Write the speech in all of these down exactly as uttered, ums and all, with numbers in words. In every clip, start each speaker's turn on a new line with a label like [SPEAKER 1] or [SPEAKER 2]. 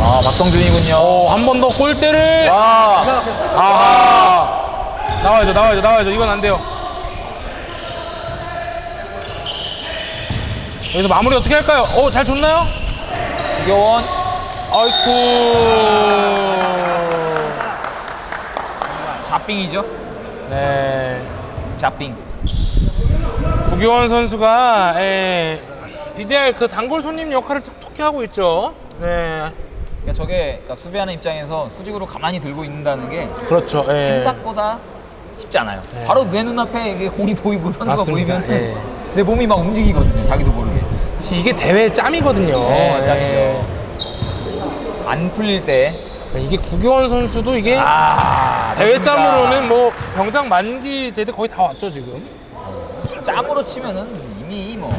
[SPEAKER 1] 아, 박성준이군요.
[SPEAKER 2] 어, 한 번 더 골대를.
[SPEAKER 1] 와.
[SPEAKER 2] 아하. 나와야죠, 나와야죠, 나와야죠. 이건 안 돼요. 여기서 마무리 어떻게 할까요? 어, 잘 줬나요?
[SPEAKER 1] 구교원.
[SPEAKER 2] 아이쿠.
[SPEAKER 1] 샷빙이죠?
[SPEAKER 2] 네.
[SPEAKER 1] 샷빙.
[SPEAKER 2] 구교원 선수가 예, 비디알 그 단골 손님 역할을 톡톡히 하고 있죠. 네.
[SPEAKER 1] 그러니까 저게 그러니까 수비하는 입장에서 수직으로 가만히 들고 있는다는 게
[SPEAKER 2] 그렇죠. 예.
[SPEAKER 1] 생각보다 쉽지 않아요.
[SPEAKER 2] 네.
[SPEAKER 1] 바로 내 눈앞에 이게 공이 보이고 선수가
[SPEAKER 2] 맞습니다.
[SPEAKER 1] 보이면
[SPEAKER 2] 예.
[SPEAKER 1] 내 몸이 막 움직이거든요. 자기도 모르게.
[SPEAKER 2] 사실 이게 대회 짬이거든요.
[SPEAKER 1] 네, 짬이죠.
[SPEAKER 2] 예.
[SPEAKER 1] 안 풀릴 때.
[SPEAKER 2] 이게 구교원 선수도 이게
[SPEAKER 1] 아,
[SPEAKER 2] 대회
[SPEAKER 1] 좋습니다.
[SPEAKER 2] 짬으로는 뭐 병장 만기 제대 거의 다 왔죠 지금.
[SPEAKER 1] 짬으로 치면은 이미 뭐.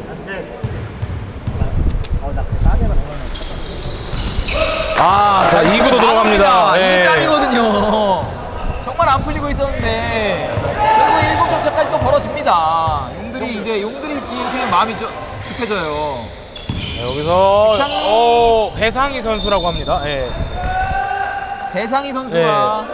[SPEAKER 1] 아,
[SPEAKER 2] 자, 이 구도 들어갑니다.
[SPEAKER 1] 이게
[SPEAKER 2] 예.
[SPEAKER 1] 짬이거든요. 정말 안 풀리고 있었는데 결국 일곱 점 차까지 또 벌어집니다. 용들이 이제 용들이 이렇게 마음이 좀 급해져요.
[SPEAKER 2] 네, 여기서
[SPEAKER 1] 배상이.
[SPEAKER 2] 어, 배상희 선수라고 합니다. 예.
[SPEAKER 1] 배상희 선수가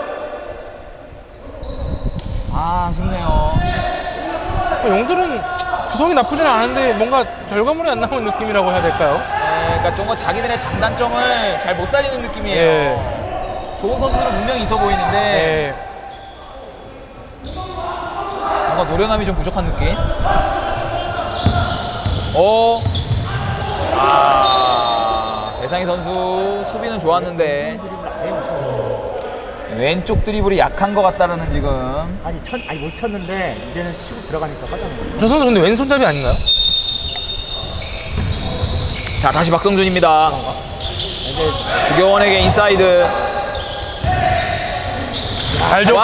[SPEAKER 1] 아, 아쉽네요.
[SPEAKER 2] 어, 용들은 구성이 나쁘지는 않은데 뭔가 결과물이 안 나온 느낌이라고 해야 될까요?
[SPEAKER 1] 네, 그러니까 좀 더 자기들의 장단점을 잘 못 살리는 느낌이에요.
[SPEAKER 2] 예.
[SPEAKER 1] 좋은 선수들은 분명히 있어 보이는데
[SPEAKER 2] 예.
[SPEAKER 1] 뭔가 노련함이 좀 부족한 느낌. 오. 아, 배상희 선수 수비는 좋았는데 왼쪽 드리블이 약한 것 같다라는 지금.
[SPEAKER 3] 아니 쳤 아니 못 쳤는데 이제는 치고 들어가니까 하자는
[SPEAKER 2] 저 선수 근데 왼손잡이 아닌가요?
[SPEAKER 1] 자, 다시 박성준입니다. 이제 구교원에게 인사이드.
[SPEAKER 2] 잘 줬고.
[SPEAKER 1] 와!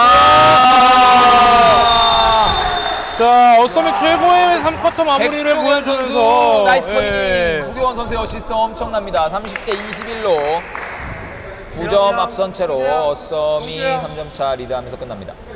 [SPEAKER 2] 자, 어썸의 최고의 삼 쿼터 마무리를
[SPEAKER 1] 백종원
[SPEAKER 2] 보여주면서
[SPEAKER 1] 선수 나이스 커닝.
[SPEAKER 2] 예.
[SPEAKER 1] 구교원 선수의 어시스트 엄청납니다. 삼십 대 이십일로 구 점 앞선 채로 어썸이 삼 점 차 리드하면서 끝납니다.